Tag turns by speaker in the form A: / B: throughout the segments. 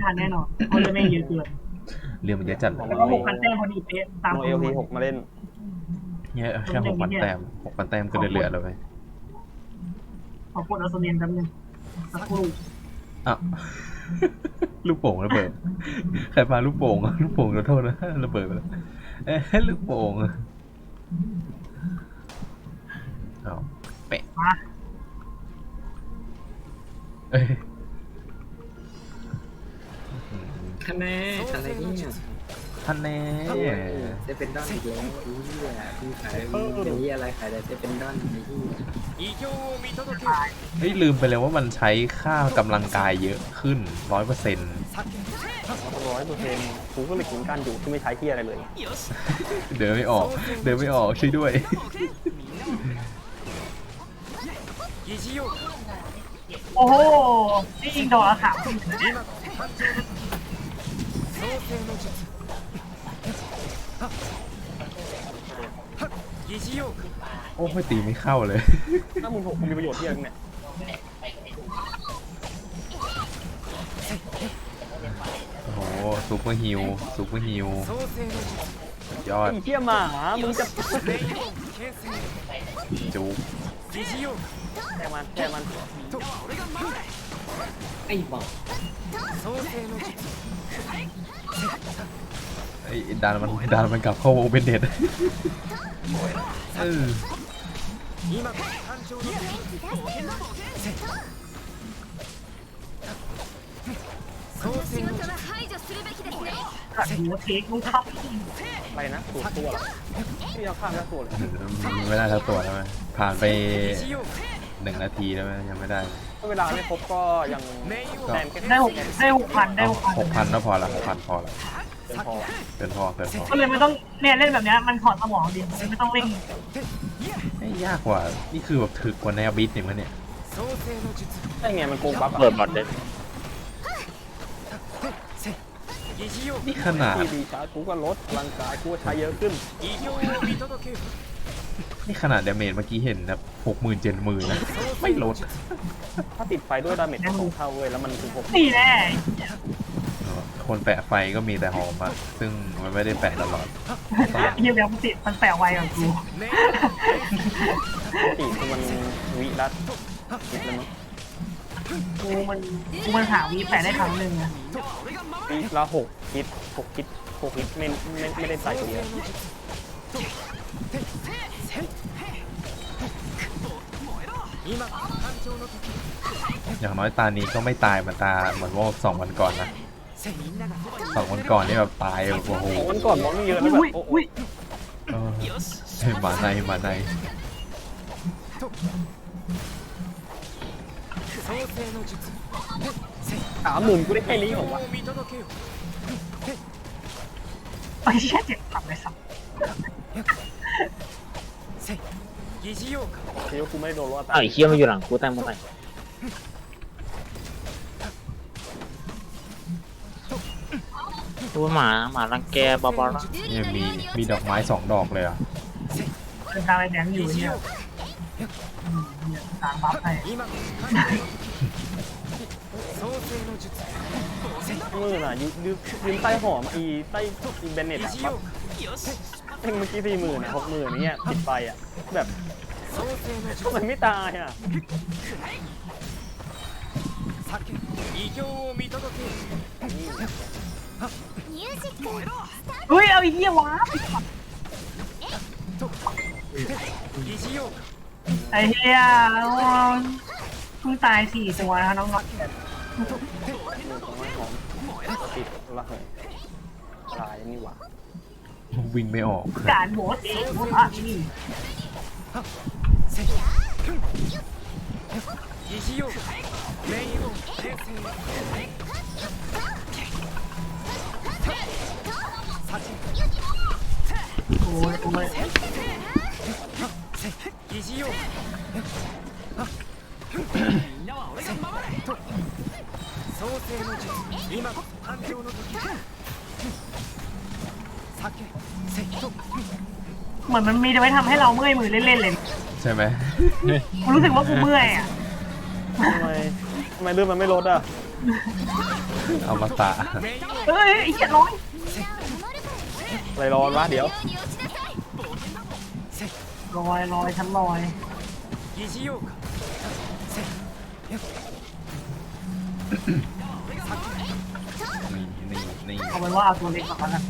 A: ทันแน่นอนเพราะเรื่องไม่เยอะเกิน
B: เรื่องมันเยอะจัดเลย
A: แล้วก็6,000 แต้มพอดีเป๊ะตาม
C: โนเอลที6มาเล่น
B: เนี่ยแค่6,000 แต้ม6,000 แต้มก็เหลือแล้วไป
A: ขอกดอัลโซเนียนแป๊บนึงสักครู่
B: อ่ะ ลูกโป่งระเบิดใครพาลูกโป่งลูกโป่งขอโทษนะระเบิดไปแล้วลูกโป่งเอาเป๊ะ
A: มา
B: เอ้ย
D: คะแนนอะไรเนี่ย
B: ท่านแน่
D: เซเป็นดอนอีกแล้วพี่ขายมีอะไรขายแต่เซเป็นดอนไอ้ที่
B: เฮ้ยลืมไปเลยว่ามันใช้ค่ากำลังกายเยอะขึ้น 100%
C: 100%กูก็เลยกินการอยู่ที่ไม่ใช้ที่อะไรเลย
B: เดินไม่ออกช่วยด้วย
A: โอ้โหนี่ยิงดอกละ3
B: โอ้ไม่ตีไม่เข้าเลย
C: ถ้ามึง6มีประโยชน์ที่อะไรเนี่ย
B: โอ้โหซูเปอร์ฮิลสุดยอด
C: ไอ้เหี้ยหมามึงจะ
B: จุก
C: แค่มัน
D: ไอ้บอก
B: ไอ้ดานมันกลับเข้าวงเป็นเด็ดเออ
A: กัดหัวเทคมึงเข้า
C: อะไรนะสูตรตัวเหรอที่ยังข้ามแล้วตัวเลย
B: ไม่ได้ทั้งตัวแล้วไหมผ่านไป1 นาทีแล้วไหมยังไม่ได้
C: ถ้าเวลาไม่ครบก็ยังแต้มแค่
A: ได้6,000ได้
B: 6,000ก็พอละ6,000พอละ
C: เป็นพอ
B: เกินพอ
A: ก็เลยไม่ต้องเนี่ยเล่นแบบนี้มันถอดสมองดีไม่ต้องเร่ง
B: ไม่ยากกว่านี่คือแบบถึกกว่าแนวบิทเนี่ยมันเนี่ย
C: ไอ้ไงมันโกงบัฟ
E: เปิดบอดเลย
B: นี่ขนาด
C: ที่ดีช้ากูก็ลดพลังกายกูก็ใช้เยอะขึ้น
B: นี่ขนาดดาเมจเมื่อกี้เห็นนะ60,000 70,000นะไม่ลด
C: ถ้าติดไฟด้วยดาเมจก็2 เท่าเว้ยแล้วมันถึง6
A: นี่แน่
B: คนแปะไฟก็มีแต่หอมอะซึ่งมันไม่ได้แปะตลอด
A: ยังแล้วมันติดมันแปลไวกว่ากู
C: ตีคือมันวิรัตคิดแล้วมั้ง
A: กูมันหาวีแปลได้ครั้งหนึ่งอะ
C: วิละ6 คิดไม่ได้ใส่ตัวเดียว
B: อย่างน้อยตานี้ก็ไม่ตายเหมือนว่า2 วันก่อนนะ2 วันก่อนนี่แบบตายโอ้โห
C: วันก่อนมองไม่เยอะแล้วแบบโอ้โห
B: เออหมาใน
C: 30,000กูได้แค่นี้เหรอวะ
A: ไอ้เชี่ยเจ็บขับเลยสับ
C: เดี๋ยวกูไม่โดนรอด
E: อ้าวไอ้เคี้ยมาอยู่หลังกูตั้งมาใหม่ตัวหมารังแกบาบาร่า
B: เนี่ยมีดอกไม้2 ดอกเลยอ่ะ
A: เป็นทางไอ้แดงอยู่เนี่ยเนี่ยทางบัฟให้
C: มือน่ะยืนใต้หอมใต้เบนเน็ตอะแบบเมื่อกี้40,000นะ60,000เนี่ยติดไปอ่ะแบบทำไมไม่ตายอ่ะ
A: เฮ้ยเอาไอ้เหี้ยวะไอ้เหี้ยเพิ่งตาย4 ตัวนะน้องๆ
C: ติดละเหยลายนี่หว่า
B: วิ่งไม่ออก
A: การโหมดเองโหมดอ่ะนี่ โอ้ยโอ้ย เหมือนมันมีไว้ทำให้เราเมื่อยมือเล่นๆเลย
B: ใช่ไหม
A: กูรู้สึกว่ากูเมื่อยอ่ะ
C: ทำไมเลือดมันไม่ลดอ่ะ
B: เอามาตะ
A: เฮ้ยไอ้เหี้ยร้อย
C: อะไรร้อนวะเดี๋ยว
A: ลอยฉันลอย
B: นี่
A: เอาเป็นว่าเอาตัวเล็กก่อนแล้วกัน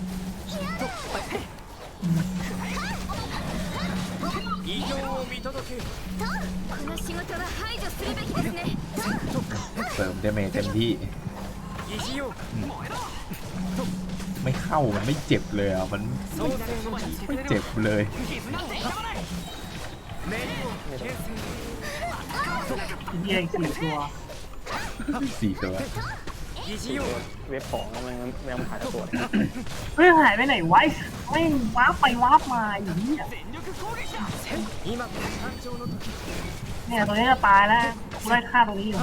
B: เสริมเดเมจเต็มที่ไม่เข้ามันไม่เจ็บเลยอ่ะมันไม่เจ็บเลย
A: เหี้ยอีก4 ตัว
B: 4 ตัว
C: เว็บของมันยังหายตัว
A: เฮ้ยหายไปไหนไวะไม่งวาร์ปไปวาร์ปมาอย่างนี้เนี่ยตัวนี้จะตายแล้วกูได้ฆ่าตัวนี้อยู่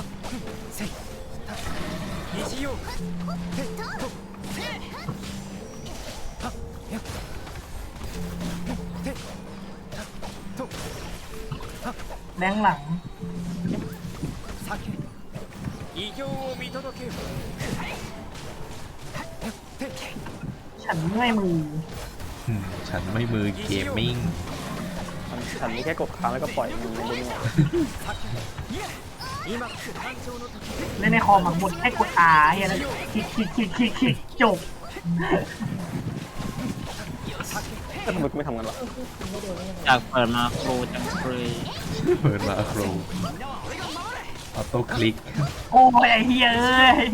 A: แรงหลังฉันเมื่อยมือ
B: ฉันไม่มือเกมมิ่ง
C: ฉันมีแค่กดค้างแล้วก็ปล่อยมันเล่น
A: เล่นในคอมหมักหมดให้กด R เฮียนะคลิกจบ
C: ก็ทำไมกูไม่ทำกันวะ
E: อยากเปิดมาโครจังเลย
B: เปิดมาโครออโต้คลิก
A: โอ้ยไอ้เฮียเอ้ย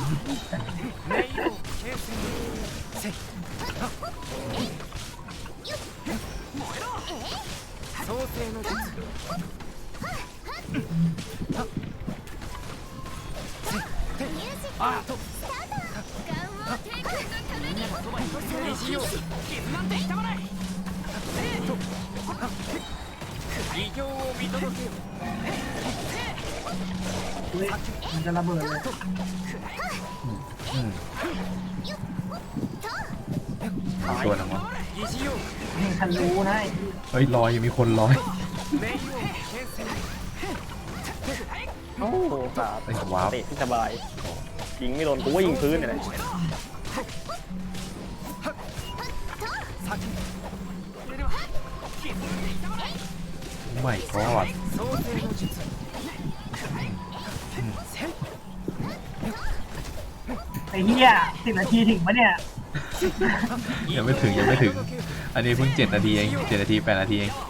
A: มันจะระเบิดเลย
B: ตัวนึงวะ
A: นี่ฉันรู้นะ
B: เฮ้ยลอยมีคนลอย
C: โอ้โหขา
B: ไอ้วาร์ป
C: เตะที่สบายยิงไม่โดนกูว่ายิงพื้นเนี่ยแหละ
B: ไม่กอด
A: ไอ้เฮีย10 นาทีถึงปะเนี่ย
B: ยังไม่ถึงอันนี้เพิ่ง7 นาทีเอง7 นาที 8 นาทีเอง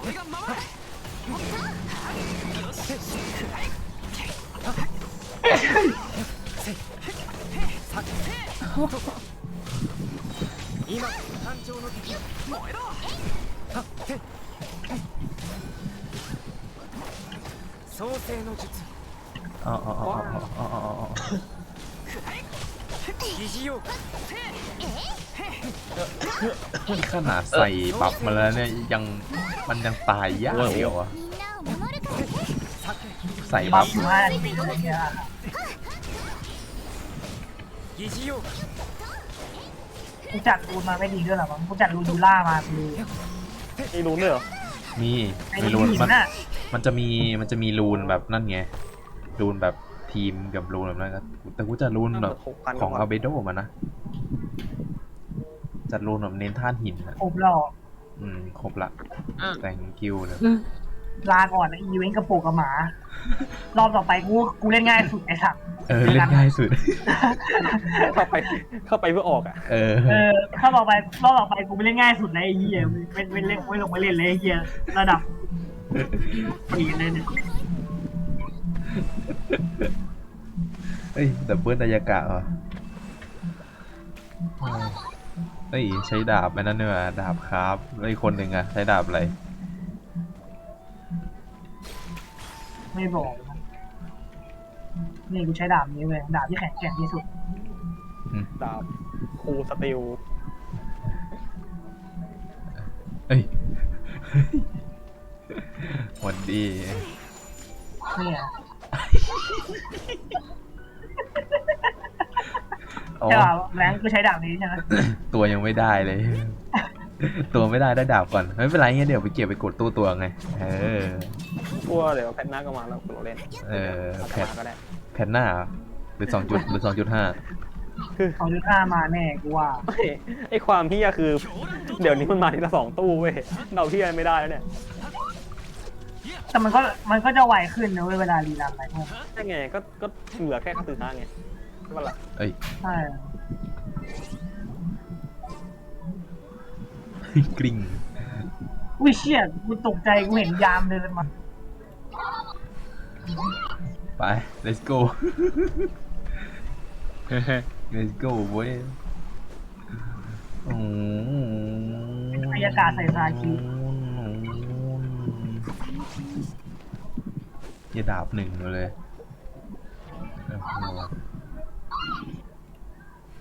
B: อ๋อนี่ขนาดใส่บัฟมาแล้วเนี่ยมันยังตายยากเดียวอะใส่
A: บั
B: บั
A: ฟ
B: ฟ
A: อยู่5 นาทีอะไรเงี้ยกูจัดรูนมาไม่ดีด้วยหรอวะกูจัดรูนยูล่ามาคือ
C: นี่รู้เนี่ยเหรอ
B: มี
A: ไอ้
B: ไม่
A: รู
B: รู
A: น
B: น
A: หิน
B: มัน
A: น่ะ
B: มันจะมีรูนแบบนั่นไงรูนแบบทีมกับรูนแบบนั้นครับแต่กูจะรูนแบบของอาเบโดมานะจัดรูนแบบเน้นท่านหินนะ
A: ผมหลอก
B: ครบละแต่งคิวเลย
A: ลาก่อนนะอีเวนต์กระโปงกับหมารอบต่อไปกูเล่นง่ายสุดไอ้สัตว์
B: เล่นง่ายสุด
C: เข้าไปเพื่อออกอ่ะ
A: ถ้ารอบต่อไปกูไปเล่นง่ายสุดเลยไอ้เหี้ยไม่เล่นไม่ลงมาเล่นเลยไอ้เหี้ยระดับปีนเลยเนี่ย
B: เฮ้ยดับเบิลนายากะเหรอเฮ้ยใช้ดาบไอ้นั่นเนี่ยดาบครับแล้วอีกคนหนึ่งอะใช้ดาบอะไร
A: ไม่บอกนะนี่กูใช้ดาบนี้เว้ยดาบที่แข็งแกร่งที่สุด
C: ดาบคูสติล
B: เอ้ยหวันดี
A: เนี่ย
B: อ๋อ
A: ใช่ป่ะแรงกูใช้ดาบนี้ใช่ไหม
B: ตัวยังไม่ได้เลย ตัวไม่ได้ดาบก่อนไม่เป็นไรเงี้ยเดี๋ยวไปเก็บไปกดตัวไง
C: ตัวเดี๋ยวแพทหน้าก็มาแล้วกูเล่น
B: แพท
C: ก็ได้
B: แพทหน้าเหรอรือ2.5
A: 2.5มาแน่กูว่า
C: ไอความเฮี้ยคือ เดี๋ยวนี้มันมาทีละ2 ตู้เว้ยเราเฮี้ยไม่ได้แล้วเนี่ย
A: แต่มันก็จะไวขึ้นนะเว้ยเวลารีรันอะไรพวกนี้
C: ใช่ไงก็เหลือแค่ตื่นไงใช่ปะล่ะ
B: เอ้ย
A: ใช่
B: กลิ้ง
A: อุ้ยเชี่ยกูตกใจกูเห็นยามเดินมา
B: ไป let's go let's go เว้ยโอ้
A: บรรยากาศใส่ซาคิ
B: อย่าดาบหนึ่งมาเลยโอ้โห